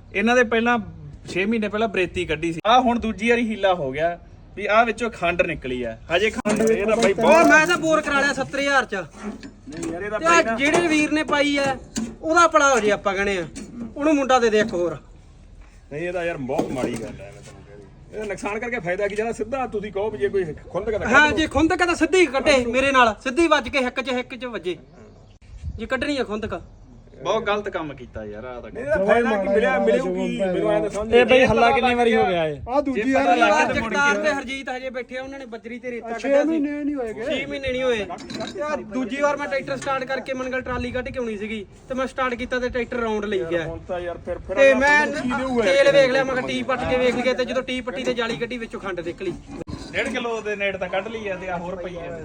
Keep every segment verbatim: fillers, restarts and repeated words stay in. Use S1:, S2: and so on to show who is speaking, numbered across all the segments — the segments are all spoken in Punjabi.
S1: ਇਹਨਾਂ ਦੇ ਪਹਿਲਾਂ ਛੇ ਮਹੀਨੇ ਪਹਿਲਾਂ ਬਰੇਤੀ ਕੱਢੀ ਸੀ। ਆ ਹੁਣ ਦੂਜੀ ਵਾਰੀ ਹੀਲਾ ਹੋ ਗਿਆ ਵੀ ਆ ਵਿੱਚੋਂ ਖੰਡ ਨਿਕਲੀ ਆ। ਹਜੇ ਖੰਡ ਇਹ ਤਾਂ ਬਾਈ
S2: ਬਹੁਤ ਮੈਂ ਤਾਂ ਬੋਰ ਕਰਾ ਲਿਆ ਸੱਤਰ ਹਜ਼ਾਰ ਚ।
S1: ਨਹੀਂ ਯਾਰ ਇਹਦਾ
S2: ਤੇ ਆਹ ਜਿਹੜੇ ਵੀਰ ਨੇ ਪਾਈ ਐ ਉਹਦਾ ਭਲਾ ਹੋ ਜੇ ਆਪਾਂ ਕਹਣੇ ਆ, ਉਹਨੂੰ ਮੁੰਡਾ ਦੇ ਦੇ ਇੱਕ ਹੋਰ।
S1: ਨਹੀਂ ਇਹਦਾ ਯਾਰ ਬਹੁਤ ਮਾੜੀ ਗੱਲ ਹੈ। ਮੈਂ ਤੈਨੂੰ ਕਹਿ ਰਹੀ ਇਹਦਾ ਨੁਕਸਾਨ ਕਰਕੇ ਫਾਇਦਾ ਕੀ ਜਿਹੜਾ ਸਿੱਧਾ ਤੁਸੀਂ ਕਹੋ ਵੀ ਜੇ ਕੋਈ ਖੁੰਦ ਕਦਾ
S2: ਹਾਂ ਜੇ ਖੁੰਦਕ ਤਾਂ ਸਿੱਧੀ ਕੱਢੇ ਮੇਰੇ ਨਾਲ, ਸਿੱਧੀ ਵੱਜ ਕੇ ਹਿੱਕ ਚ ਹਿੱਕ ਚ ਵੱਜੇ ਜੇ ਕੱਢਣੀ ਆ ਖੁੰਦਕ।
S1: ਬਹੁਤ ਗਲਤ ਕੰਮ ਕੀਤਾ ਯਾਰ। ਆ ਤਾਂ ਇਹਦਾ ਫਾਇਦਾ ਕੀ ਮਿਲਿਆ ਮਿਲੂਗੀ ਮੈਨੂੰ ਐਂ ਤਾਂ ਸਮਝ
S3: ਇਹ ਬਈ ਹੱਲਾ ਕਿੰਨੀ ਵਾਰੀ ਹੋ ਗਿਆ ਇਹ?
S4: ਆ ਦੂਜੀ ਵਾਰ
S2: ਜਗਤਾਰ ਤੇ ਹਰਜੀਤ ਹਜੇ ਬੈਠੇ ਆ, ਉਹਨਾਂ ਨੇ ਬੱਜਰੀ ਤੇ ਰੇਤਾ
S4: ਛੇ
S2: ਕੱਢਿਆ ਸੀ।
S4: ਮਹੀਨੇ ਨਹੀਂ ਹੋਏਗੇ।
S2: ਛੇ ਮਹੀਨੇ ਨਹੀਂ ਹੋਏ। ਤੇ ਆਹ ਦੂਜੀ ਵਾਰ ਮੈਂ ਟਰੈਕਟਰ ਸਟਾਰਟ ਕਰਕੇ ਮਨਗਲ ਟਰਾਲੀ ਕੱਢ ਕੇ ਆਉਣੀ ਸੀਗੀ ਤੇ ਮੈਂ ਸਟਾਰਟ ਕੀਤਾ ਤੇ ਟਰੈਕਟਰ ਰਾਉਂਡ ਲਈ ਗਿਆ।
S1: ਹੁਣ ਤਾਂ ਯਾਰ ਫਿਰ ਫਿਰ
S2: ਤੇ ਮੈਂ ਤੇਲ ਵੇਖ ਲਿਆ, ਮੈਂ ਕਿਹਾ ਟੀ ਪੱਟ ਕੇ ਵੇਖ ਲਿਆ ਤੇ ਜਦੋਂ ਟੀ ਪੱਟੀ ਤੇ ਜਾਲੀ ਕੱਢੀ ਵਿੱਚੋਂ ਖੰਡ ਨਿਕਲੀ।
S1: ਡੇਢ ਕਿਲੋ ਦੇ ਨੇੜ ਤਾਂ ਕੱਢ ਲਈ ਆ ਤੇ ਆ ਹੋਰ ਪਈ ਆ।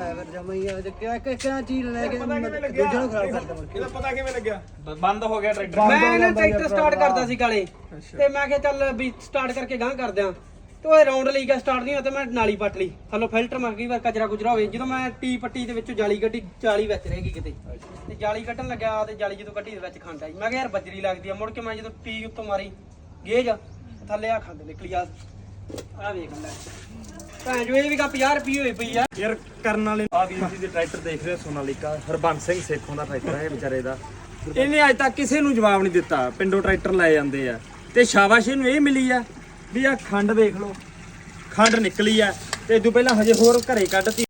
S2: ਕਿਆ ਚੀਜ਼ ਲੈ ਕੇ
S1: ਪਤਾ ਕਿਵੇਂ ਲੱਗਿਆ ਇਹਦਾ ਪਤਾ ਕਿਵੇਂ ਲੱਗਿਆ? ਬੰਦ ਹੋ ਗਿਆ ਟਰੈਕਟਰ।
S2: ਮੈਂ ਨਾ ਟਰੈਕਟਰ ਸਟਾਰਟ ਕਰਦਾ ਸੀ ਕਾਲੇ ਤੇ ਮੈਂ ਕਿਹਾ ਚੱਲ ਵੀ ਸਟਾਰਟ ਕਰਕੇ ਗਾਂ ਕਰਦੇ ਆ ਤੇ ਉਹ ਰਾਉਂਡ ਲਈ ਗਿਆ ਸਟਾਰਟ ਨਹੀਂ ਹੋਇਆ ਤੇ ਮੈਂ ਨਾਲੀ ਪੱਟ ਲਈ ਥੱਲੋਂ ਫਿਲਟਰ ਮੈਂ ਕਈ ਵਾਰ ਕਚਰਾ ਕੁਚਰਾ ਹੋਵੇ। ਜਦੋਂ ਮੈਂ ਟੀ ਪੱਟੀ ਦੇ ਵਿੱਚੋਂ ਜਾਲੀ ਕੱਢੀ, ਜਾਲੀ ਵਿੱਚ ਰਹਿ ਗਈ ਕਿਤੇ ਤੇ ਜਾਲੀ ਕੱਢਣ ਲੱਗਾ ਤੇ ਜਾਲੀ ਜਦੋਂ ਕੱਢੀ ਦੇ ਵਿੱਚ ਖੰਡ ਆਈ। ਮੈਂ ਕਿਹਾ ਯਾਰ ਬੱਜਰੀ ਲੱਗਦੀ ਆ। ਮੁੜ ਕੇ ਮੈਂ ਜਦੋਂ ਟੀ ਉੱਤੋਂ ਮਾਰੀ ਗੇਜ ਥੱਲੇ ਆ ਖੰਡ ਨਿਕਲੀ। ਆ ਆ ਵੇਖ ਲੈ ਭੈਣ ਜੋ ਇਹ ਵੀ ਕਾ ਪੰਜਾਹ ਰੁਪਏ ਹੋਈ ਪਈ ਆ
S3: ਯਾਰ ਕਰਨ ਵਾਲੇ ਆ ਵੀਰ ਜੀ ਦੇ ਟਰੈਕਟਰ ਦੇਖ ਰਹੇ ਸੋਨਾਲੀਕਾ ਹਰਬੰਸ ਸਿੰਘ ਸੇਖੋਂ ਦਾ ਟਰੈਕਟਰ ਹੈ ਵਿਚਾਰੇ ਦਾ। ਇਹਨੇ ਅੱਜ ਤੱਕ ਕਿਸੇ ਨੂੰ ਜਵਾਬ ਨਹੀਂ ਦਿੱਤਾ। ਪਿੰਡੋਂ ਟਰੈਕਟਰ ਲੈ ਜਾਂਦੇ ਆ ਤੇ ਸ਼ਾਬਾਸ਼ ਇਹਨੂੰ ਇਹ ਮਿਲੀ ਆ ਵੀ ਆ ਖੰਡ ਵੇਖ ਲਓ, ਖੰਡ ਨਿਕਲੀ ਆ ਤੇ ਇਦੋਂ ਪਹਿਲਾਂ ਹਜੇ ਹੋਰ ਘਰੇ ਕੱਢਤੀ।